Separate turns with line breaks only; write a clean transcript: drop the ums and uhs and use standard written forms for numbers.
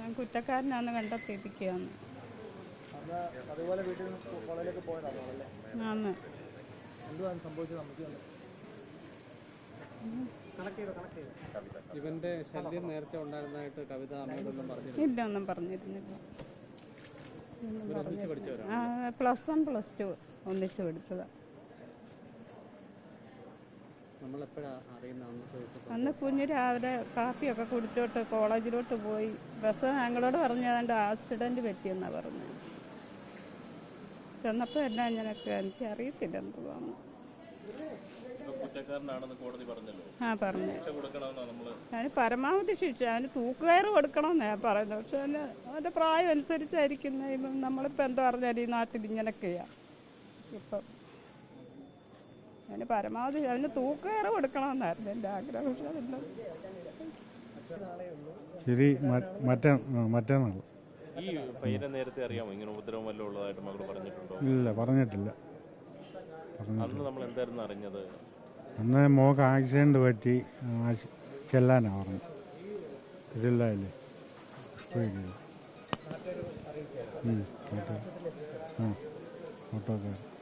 കുറ്റക്കാരനാന്ന് കണ്ടെത്തിയിരിക്കുകയാണ്.
അതുപോലെ വീട്ടിൽ നിന്ന് കോളേജിലേക്ക് പോയതാണോ?
ആന്ന്.
എന്തുവാണ് സംഭവിച്ചത്? നമുക്ക്
ഇവന്റെ ശല്യം നേരത്തെ ഉണ്ടായിരുന്നതായിട്ട് കവിത അമ്മയോടൊന്നും പറഞ്ഞില്ല?
ഇല്ല, ഒന്നും പറഞ്ഞിരുന്നില്ല.
പഠിച്ചവരാണ്.
+1 +2 ഒന്നിച്ച് പഠിച്ചതാണ്. അന്ന് കുഞ്ഞ് രാവിലെ കാപ്പിയൊക്കെ കുടിച്ചോട്ട് കോളേജിലോട്ട് പോയി. ബസ് ഞങ്ങളോട് പറഞ്ഞാണ്ട് ആക്സിഡന്റ് പറ്റിയെന്നാണ് പറഞ്ഞത്. ചെന്നപ്പോൾ എല്ലാം ഇങ്ങനെയൊക്കെ എനിക്ക് അറിയത്തില്ല എന്തുവാന്ന്. പറഞ്ഞു. അതിന് പരമാവധി ശിക്ഷ, അതിന് തൂക്കുകയറ് കൊടുക്കണമെന്നാ ഞാൻ പറയുന്നത്. പക്ഷെ അവൻ്റെ പ്രായം അനുസരിച്ചായിരിക്കുന്ന നമ്മളിപ്പോൾ എന്താ പറഞ്ഞാൽ ഈ നാട്ടിൽ ഇങ്ങനെയൊക്കെയാ ഇപ്പം. അതിന് പരമാവധി അതിന് തൂക്കുകയറ് കൊടുക്കണമെന്നായിരുന്നു എൻ്റെ ആഗ്രഹം. പക്ഷെ അതെല്ലാം
ശരി. മറ്റന്നാൾ
ഈ പയ്യനെ നേരത്തെ അറിയാമോ? ഇങ്ങനെ ഉപദ്രവം വല്ലതും ഉള്ളതായിട്ട് മകൾ പറഞ്ഞിട്ടുണ്ടോ?
ഇല്ല, പറഞ്ഞിട്ടില്ല.
അന്ന് നമ്മൾ എന്തായിരുന്നു അറിഞ്ഞത്?
അന്ന് മോക്ക് ആക്സിഡന്റ് പറ്റി ചെല്ലാനാ പറഞ്ഞു. ഇതില്ലേ ഓട്ടോക്കാർ